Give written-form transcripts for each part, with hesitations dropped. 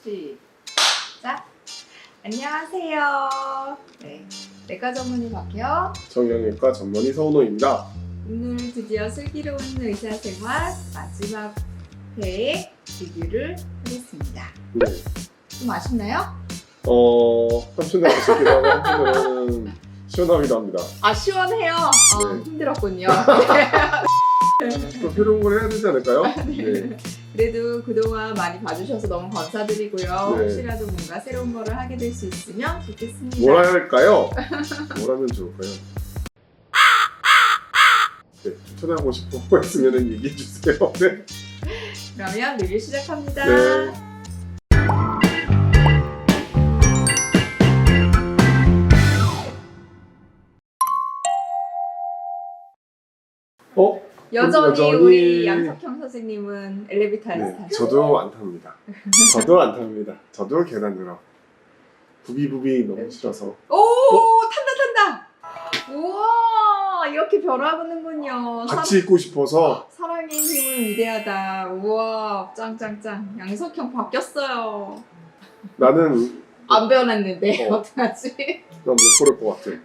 시작! 안녕하세요. 네, 내과 전문의 박혜영. 정형외과 전문의 서은호입니다. 오늘 드디어 슬기로운 의사생활 마지막 회의 리뷰를 하겠습니다. 네. 좀 아쉽나요? 한편으로 아쉽기도 하고 한편으로는 시원하기도 합니다. 아, 시원해요. 네. 힘들었군요. 또 새로운 걸 해야 되지 않을까요? 네. 그래도 그동안 많이 봐주셔서 너무 감사드리고요. 네. 혹시라도 뭔가 새로운 거를 하게 될 수 있으면 좋겠습니다. 뭘 해야 할까요? 뭘 하면 좋을까요? 네, 추천하고 싶은 거 있으면 얘기해 주세요. 네. 그러면 리뷰 시작합니다. 네. 여전히 우리 양석형 선생님은 엘리베이터에서 네, 타죠. 저도 안 탑니다. 저도 안 탑니다. 저도 계단으로. 부비부비 너무 싫어서. 오, 탄다. 우와, 이렇게 변화하는군요. 같이 있고 싶어서. 사랑의 힘은 위대하다. 우와, 짱짱짱. 양석형 바뀌었어요. 나는 안 변했는데 어. 어떡하지? 난 못 고를 것 같아.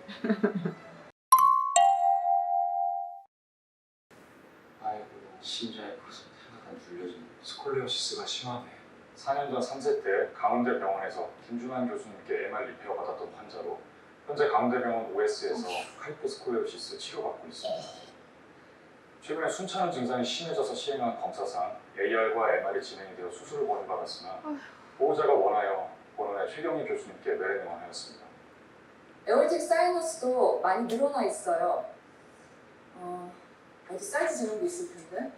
아이고, 심장에 벌써 하나가 눌려진 스콜리오시스가 심하네. 4년 전 3세 때 강원대병원에서 김준환 교수님께 MR 리페어 받았던 환자로 현재 강원대병원 OS에서 하이포스콜리오시스 치료받고 있습니다. 최근에 순차는 증상이 심해져서 시행한 검사상 AR과 MR이 진행이 되어 수술을 권유받았으나 보호자가 원하여 본원의 최경희 교수님께 메레닝을 하였습니다. 에어텍 사이너스도 많이 늘어나 있어요. 어디 사이즈 재는 게 있을 텐데.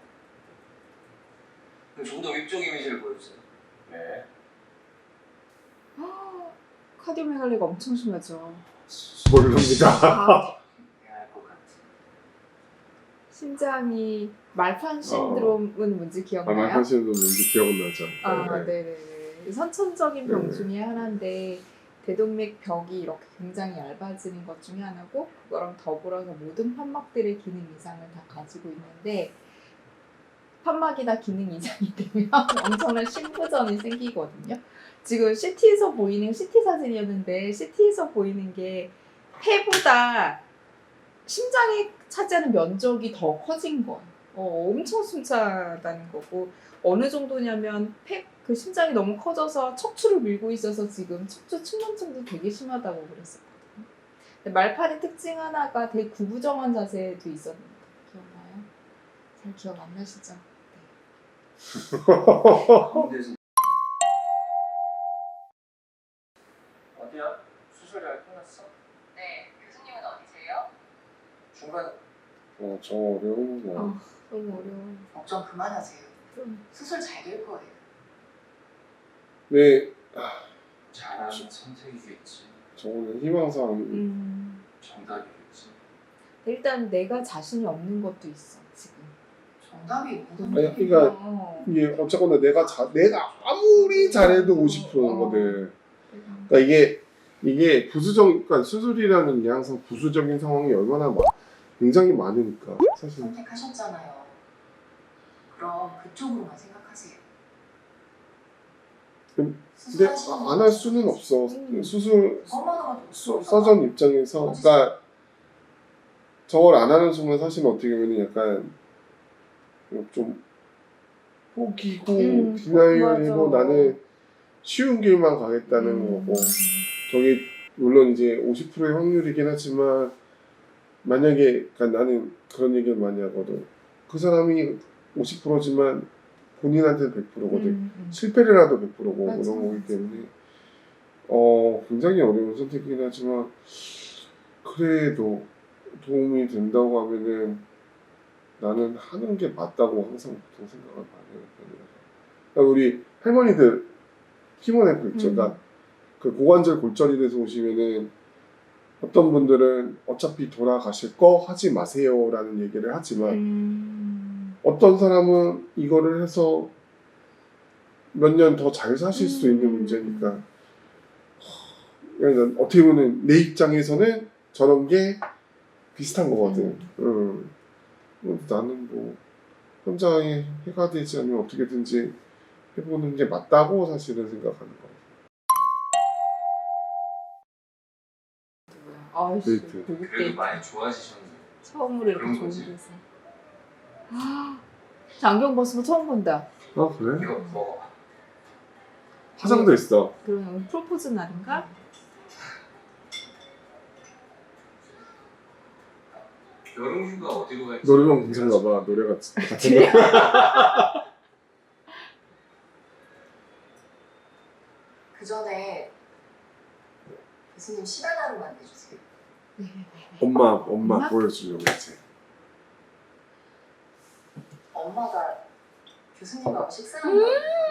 좀 더 위쪽 이미지를 보여주세요. 네. 카디오메갈리가 엄청 심하죠. 모릅니다. 아, 할것 같아. 심장이 말판 신드롬은 뭔지 기억나요? 아마 하시는 분 뭔지 기억은 나죠. 아, 네. 네네네. 선천적인 병 네. 중에 하나인데 대동맥 벽이 이렇게 굉장히 얇아지는 것 중에 하나고 그거랑 더불어서 모든 판막들의 기능 이상을 다 가지고 있는데 판막이 다 기능 이상이 되면 엄청난 심부전이 생기거든요. 지금 CT에서 보이는 CT 사진이었는데 CT에서 보이는 게 폐보다 심장이 차지하는 면적이 더 커진 거예요. 엄청 숨차다는 거고 어느 정도냐면 그 심장이 너무 커져서 척추를 밀고 있어서 지금 척추 측만증도 되게 심하다고 그랬었거든요. 근데 말판의 특징 하나가 되게 구부정한 자세도 있었는데 기억나요? 잘 기억 안 나시죠? 가운데서 어디야? 수술이 할 끝났어? 네, 교수님은 어디세요? 중간 저 어려운 거. 너무 어려워. 걱정 그만하세요. 좀 수술 잘 될 거예요. 네, 잘하는 선택이겠지. 저는 희망사항. 정답이겠지. 일단 내가 자신이 없는 것도 있어 지금. 정답이 모든 아니, 그러니까 이게 어쨌거나 내가 아무리 잘해도 50%거든. 그러니까 이게 그러니까 수술이라는 게 항상 부수적인 상황이 얼마나 굉장히 많으니까 사실. 선택하셨잖아요. 그럼 그쪽으로만 생각하세요. 근데 수술하시는 안 할 수는 없어. 수술 엄마가 서전 입장에서, 그러니까 저걸 안 하는 순간 사실 어떻게 보면 약간 좀 포기고 디나이얼이고 맞아. 나는 쉬운 길만 가겠다는 거고, 저게 물론 이제 50%의 확률이긴 하지만 만약에, 그러니까 나는 그런 얘기를 많이 하거든. 그 사람이 50%지만 본인한테는 100%거든. 실패를 하도 100%고 맞아, 그런 거기 맞아. 때문에 굉장히 어려운 선택이긴 하지만 그래도 도움이 된다고 하면은 나는 하는 게 맞다고 항상 보통 생각을 많이 하는 편이라서. 그러니까 우리 할머니들 키모네프 있죠. 그러니까 그 고관절 골절이 돼서 오시면은 어떤 분들은 어차피 돌아가실 거 하지 마세요라는 얘기를 하지만 어떤 사람은 이거를 해서 몇 년 더 잘 사실 수 있는 문제니까. 그러니까 어떻게 보면 내 입장에서는 저런 게 비슷한 거거든. 나는 뭐 혼자 해가 되지 않으면 어떻게든지 해보는 게 맞다고 사실은 생각하는 거예요. 아이씨 데이트. 고급 그래도 데이트 많이 좋아지셨네요. 처음으로 이렇게 그런 좋은 거지. 데서 저 안경 벗은 거 처음 본다. 아 그래? 이거 먹어봐. 화장도 있어. 그러면 프로포즈 날인가? 여름휴가 어디로 갈지. 노래방 공장가 봐. 노래가 같은 거. 그 전에 교수님 시간 하루만 내주세요. 엄마 엄마? 보여주려고 했지. 엄마가 교수님하고 식사하는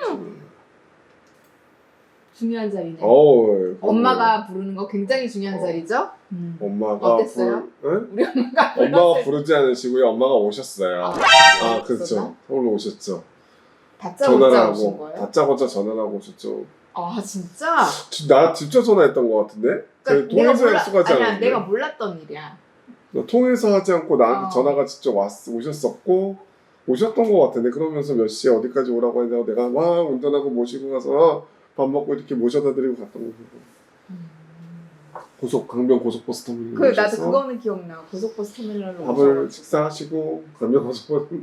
중요한 자리네. 엄마가 부르는 거 굉장히 중요한 자리죠? 엄마가 어땠어요? 응? 우리 엄마가 엄마가 불렀을 부르지 않으시고요. 엄마가 오셨어요. 아, 그렇죠. 있었나? 서울로 오셨죠. 다짜고짜 전화를 오신 하고 거예요? 다짜고짜 전화를 하고 오셨죠. 아 진짜? 나 직접 전화했던 것 같은데? 저희 통해서 약속하지 아니야 않았는데? 내가 몰랐던 일이야. 통해서 하지 않고 나한테 어. 전화가 직접 오셨었고 오셨던 것 같은데 그러면서 몇 시에 어디까지 오라고 했냐고 내가 막 운전하고 모시고 가서 밥 먹고 이렇게 모셔다 드리고 갔던 거고 강변 고속버스 터미널 그 나도 그거는 기억나. 고속버스 터미널로 밥을 오셔가지고. 식사하시고 강변 고속버스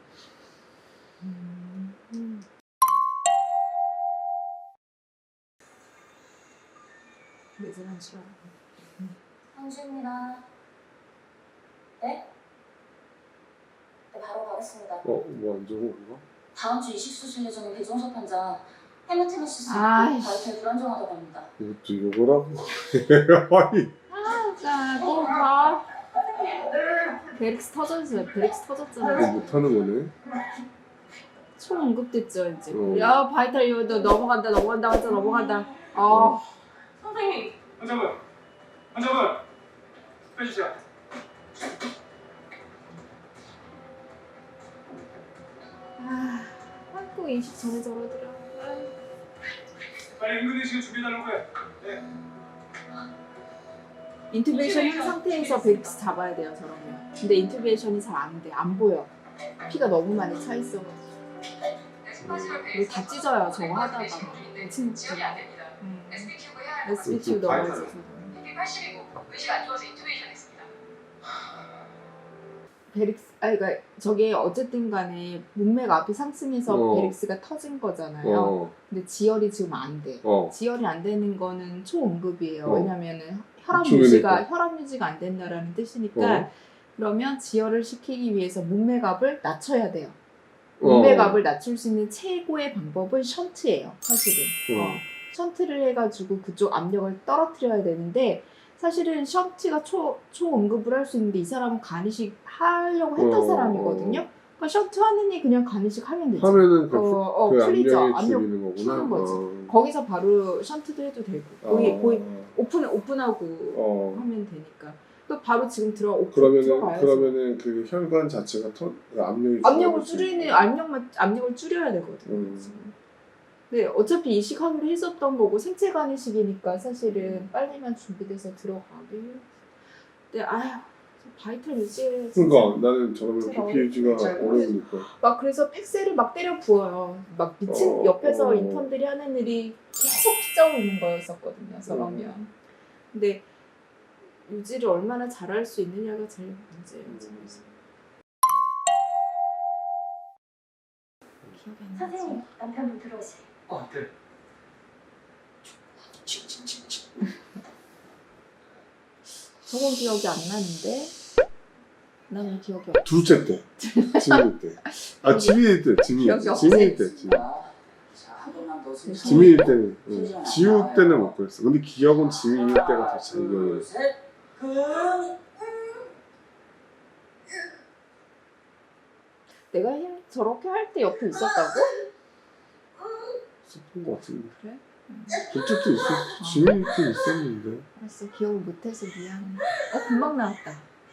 매질한 줄 알아. 상주입니다. 네? 네, 바로 가겠습니다. 뭐 안 좋은 건가? 다음 주 이식수술 예정인 배종석 환자 헤마테메시스 있고 아이씨. 바이탈 불안정하다고 합니다. 이것도 욕을 하고 아니 자, 또 가. 베릭스 터졌어요. 베릭스 이거 터졌잖아. 못하는 거네. 총 언급됐죠 이제. 어. 야 바이탈 이거 넘어간다 환자 넘어간다. 아 선생님! 환자분 빼주세요. 꼭 인식 전에 저러더라. 빨리 응급의식 준비해달라고 해. 네. 인투베이션 한 상태에서 베릭스 잡아야 돼요 저러면. 근데 인투베이션이 잘 안 돼. 안 보여. 피가 너무 많이 차 있어가지고. 그리고 다 찢어요 저거 하다가. 진짜. SBQ 넣어야지. BP 80이고 의식 안 좋아서 인투베이션 했습니다. 베릭스, 그러니까 저게 어쨌든 간에 문맥 앞이 상승해서 어. 베릭스가 터진 거잖아요. 어. 근데 지혈이 지금 안 돼. 어. 지혈이 안 되는 거는 초응급이에요. 어. 왜냐면은 혈압 중이니까. 유지가 안 된다라는 뜻이니까 어. 그러면 지혈을 시키기 위해서 문맥압을 낮춰야 돼요. 어. 문맥압을 낮출 수 있는 최고의 방법은 션트예요. 사실은. 어. 션트를 해가지고 그쪽 압력을 떨어뜨려야 되는데 사실은 션트가 초응급을 할 수 있는데 이 사람은 간이식 하려고 했던 사람이거든요. 그러니까 션트 하느니 그냥 간이식 하면 되지. 하면은 그 풀리죠. 압력이 압력 줄이는 거구나. 푸는 거지. 거기서 바로 션트도 해도 되고 거의 오픈하고 하면 되니까. 또 바로 지금 들어가야지. 그러면은 그 혈관 자체가 그 압력을 압력을 줄여야 되거든요. 네, 어차피 이식하기로 했었던 거고 생체 간이식이니까 사실은 빨리만 준비돼서 들어가게. 근데 바이탈 유지해. 그러니까 나는 저러면 진짜 BP 유지가 어렵지. 오래 걸리니까. 막 그래서 팩스를 막 때려 부어요. 막 미친 옆에서 인턴들이 하는 일이 계속 피자고 있는 거였었거든요. 저러면. 근데 유지를 얼마나 잘할 수 있느냐가 제일 문제예요. 집에서. 기억이 안 나지? 선생님, 남편분 들어오세요. 네. 저건 기억이 안 나는데 나는 기억이 없어. 둘째 때, 지민이 때. 지민이 때, 기억이 없어. 지민이 때, 자, 한 번만 더 쓰세요. 지민이 때는, 지우 때는 못 그랬어. 근데 기억은 지민이 때가 더 잘 기억해. 둘, 셋. 내가 저렇게 할 때 옆에 있었다고? 있었던 것 같은데. 그래? 둘째 때 지민이 때 있었는데. 알았어, 기억을 못해서 미안해. 금방 나왔다.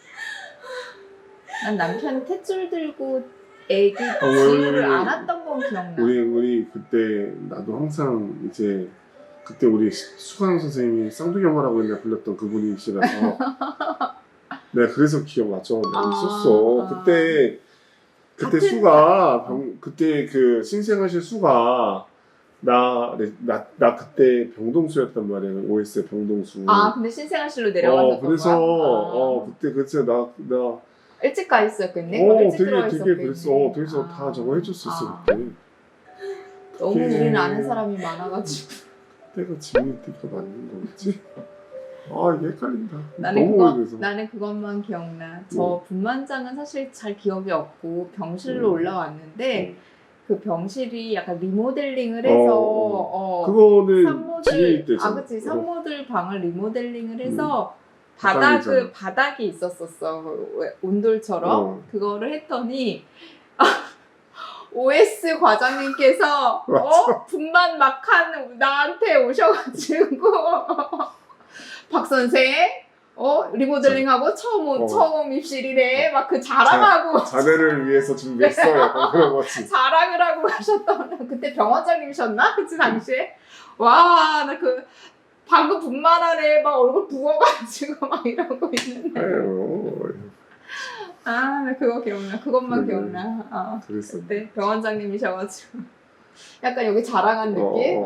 난 남편이 탯줄 들고 애기 지우를 안았던 건 기억나. 우리 그때 나도 항상 이제 그때 우리 수강 선생님이 쌍둥이 엄마라고 옛날에 불렸던 그분이시라서 내가 그래서 기억 맞죠. 내가 있었어. 그때 그때 같은 수가 그때 그 신생아실 수가 나 그때 병동수였단 말이야. OS 병동수. 아 근데 신생아실로 내려가셨던 그래서 거야? 그때 그래서 나 일찍 가 있었겠네? 일찍 들어가 되게 있었겠네. 그랬어. 그래서 다 저거 해줬었어 그때. 너무 그게- 우리는 아는 사람이 많아가지고 때가 지금 때가 맞는 거겠지? 아 이게 헷갈린다. 나는 너무 오래돼서. 나는 그것만 기억나. 저 분만장은 사실 잘 기억이 없고 병실로 올라왔는데 그 병실이 약간 리모델링을 해서 그거는 지혜 있대잖아. 아 그치 산모들 방을 리모델링을 해서 바닥이잖아. 바닥이 있었었어. 온돌처럼 그거를 했더니 OS 과장님께서 분만 막한 나한테 오셔가지고 박 선생 리모델링하고 처음 입실이네 막 그 자랑하고 자네를 위해서 준비했어. 약간 그런 거지. 자랑을 하고 가셨던 그때 병원장님이셨나? 그치 당시에? 와 나 그 방금 분만하네 막 얼굴 부어가지고 막 이러고 있는데 아유, 아 나 그거 기억나 그것만 그래. 기억나 그랬어. 그때 병원장님이셔가지고 약간 여기 자랑한 느낌?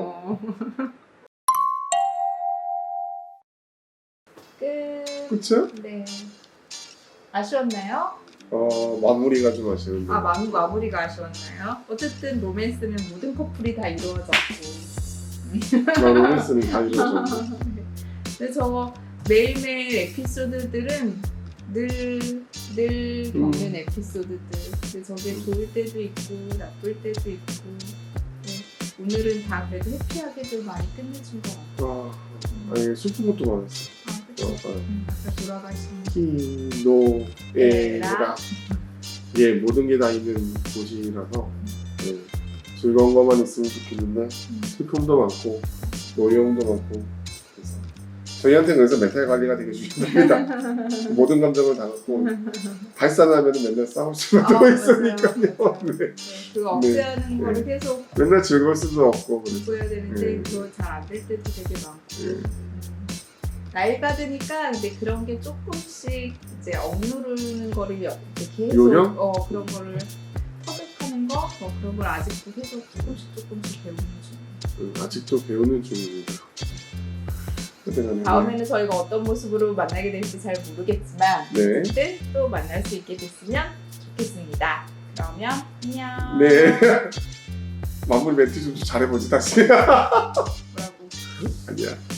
끝 그쵸? 네 아쉬웠나요? 마무리가 좀 아쉬운데. 마무리가 아쉬웠나요? 어쨌든 로맨스는 모든 커플이 다 이루어졌고 로맨스는 다 이루어졌네. 근데 저 매일매일 에피소드들은 늘 겪는 에피소드들 근데 저게 좋을 때도 있고 나쁠 때도 있고 네. 오늘은 다 그래도 해피하게 좀 많이 끝내준 것 같아요 아니 슬픈 것도 많았어. 그쵸? 아까 돌아가신 키노에라 예 모든 게 다 있는 곳이라서 즐거운 것만 있으면 좋겠는데 슬픔도 많고 노여움도 많고 그래서 저희한테는 그래서 멘탈 관리가 되게 중요합니다. 모든 감정을 다 갖고 발산하면 맨날 싸울 수밖에 있으니까요. 맞아요. 네. 네, 그거 억제하는 거를 계속 맨날 즐거울 수도 없고 그래서 공부해야 되는데 그거 잘 안 될 때도 되게 많고 나이 받으니까 근데 그런 게 조금씩 이제 억누르는 거를 이제 계속 요령? 그런 거를 터득하는 거 그런 걸 아직도 계속 조금씩 배우는 중. 아직도 배우는 중입니다. 다음에는 저희가 어떤 모습으로 만나게 될지 잘 모르겠지만 네. 어쨌든 또 만날 수 있게 됐으면 좋겠습니다. 그러면 안녕. 네. 마무리 멘트 좀 잘해보지 다시. 뭐라고? 아니야.